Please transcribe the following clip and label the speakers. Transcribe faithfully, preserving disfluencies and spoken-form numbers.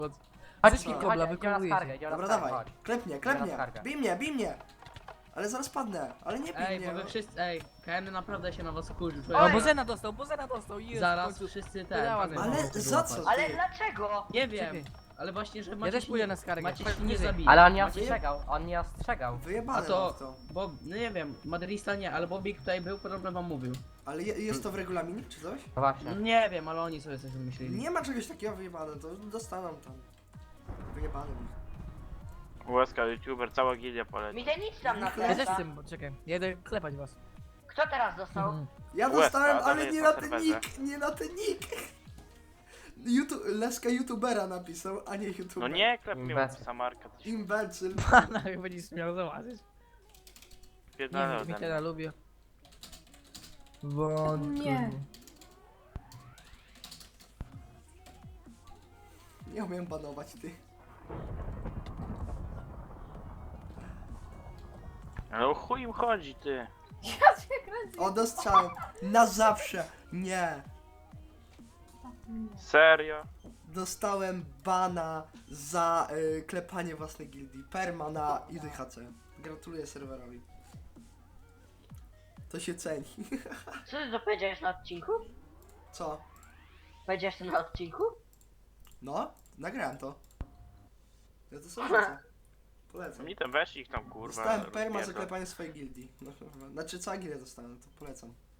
Speaker 1: Chodź,
Speaker 2: Wszystkich
Speaker 1: chodź,
Speaker 2: kobla,
Speaker 1: chodź, idziemy na
Speaker 2: wykonujecie.
Speaker 1: skargę, idziemy na
Speaker 3: Dobra,
Speaker 1: skargę,
Speaker 3: dawaj.
Speaker 1: chodź.
Speaker 3: Klep mnie,
Speaker 1: Idziemy
Speaker 3: klep
Speaker 1: na
Speaker 3: mnie.
Speaker 1: skargę.
Speaker 3: Bij mnie, bij mnie. Ale zaraz padnę. Ale nie bij
Speaker 4: Ej,
Speaker 3: mnie.
Speaker 4: bo wy
Speaker 3: no.
Speaker 4: wszyscy, ej, K N naprawdę się na was kurzył.
Speaker 2: O,
Speaker 1: Oj.
Speaker 2: Bozena dostał, Bozena dostał, jest, w
Speaker 4: Zaraz
Speaker 2: końcu.
Speaker 4: wszyscy ten.
Speaker 2: Wydała
Speaker 4: pamiętam,
Speaker 3: Ale
Speaker 4: co
Speaker 3: za
Speaker 4: było,
Speaker 3: co?
Speaker 4: patrz.
Speaker 1: Ale dlaczego?
Speaker 4: Nie wiem,
Speaker 2: Czekaj.
Speaker 4: ale właśnie, że
Speaker 2: Ja
Speaker 4: macie
Speaker 2: też
Speaker 4: się
Speaker 2: pójdę
Speaker 4: nie-
Speaker 2: na skargę.
Speaker 4: Macie
Speaker 2: Chodź
Speaker 4: się nie
Speaker 2: niżej.
Speaker 4: zabili.
Speaker 1: Ale on nie
Speaker 4: Macie-
Speaker 1: ostrzegał, on nie ostrzegał.
Speaker 3: Wyjebane
Speaker 4: A to,
Speaker 3: mam w to.
Speaker 4: bo, no nie wiem, Madrista nie, ale Bobik tutaj był, podobno wam mówił.
Speaker 3: Ale je, jest to w regulaminie, czy coś?
Speaker 1: No właśnie.
Speaker 4: Nie wiem, ale oni sobie coś wymyślili.
Speaker 3: Nie ma czegoś takiego wyjebane, to dostaną tam. Wyjebane mi.
Speaker 5: Łaska, youtuber, cała gildia poleci.
Speaker 6: Mi ten nic tam na
Speaker 3: Ja
Speaker 2: Ja też
Speaker 6: flesza.
Speaker 2: chcę, bo czekaj, jedę klepać was.
Speaker 6: Kto teraz dostał?
Speaker 2: Mhm.
Speaker 3: Ja
Speaker 5: Łezka,
Speaker 3: dostałem,
Speaker 5: ale
Speaker 3: ale
Speaker 5: jest
Speaker 3: nie
Speaker 5: na
Speaker 3: na ten
Speaker 5: serwerze.
Speaker 3: nick, nie na ten nick. YouTube, Leska youtubera napisał, a nie
Speaker 5: No
Speaker 3: youtuber.
Speaker 5: nie, klep mnie
Speaker 1: Bez.
Speaker 5: samarka, to się
Speaker 3: Imbecyl.
Speaker 2: Pana jak będziesz śmiał zobaczyć. Nie
Speaker 5: pierdolę
Speaker 2: wiem,
Speaker 5: ode mnie.
Speaker 2: Mikiela lubię. Wątku.
Speaker 7: Nie.
Speaker 3: Nie umiem banować, ty.
Speaker 5: Ale o chuj im chodzi, ty.
Speaker 7: Ja cię kręcę.
Speaker 3: O, dostałem. Na zawsze. Nie.
Speaker 5: Serio?
Speaker 3: Dostałem bana za y, klepanie własnej gildii. Perma na I D H C. Gratuluję serwerowi. To się ceni.
Speaker 6: Co ty to powiedziałeś na odcinku?
Speaker 3: Co?
Speaker 6: Powiedziałeś to na odcinku?
Speaker 3: No, nagrałem to. Ja to sobie rzucę. Polecam.
Speaker 5: Mi tam weź ich tam kurwa.
Speaker 3: Dostałem perma za
Speaker 5: rozpierdol.
Speaker 3: klepanie swojej gildii. No, znaczy cała gildia dostałem, to polecam.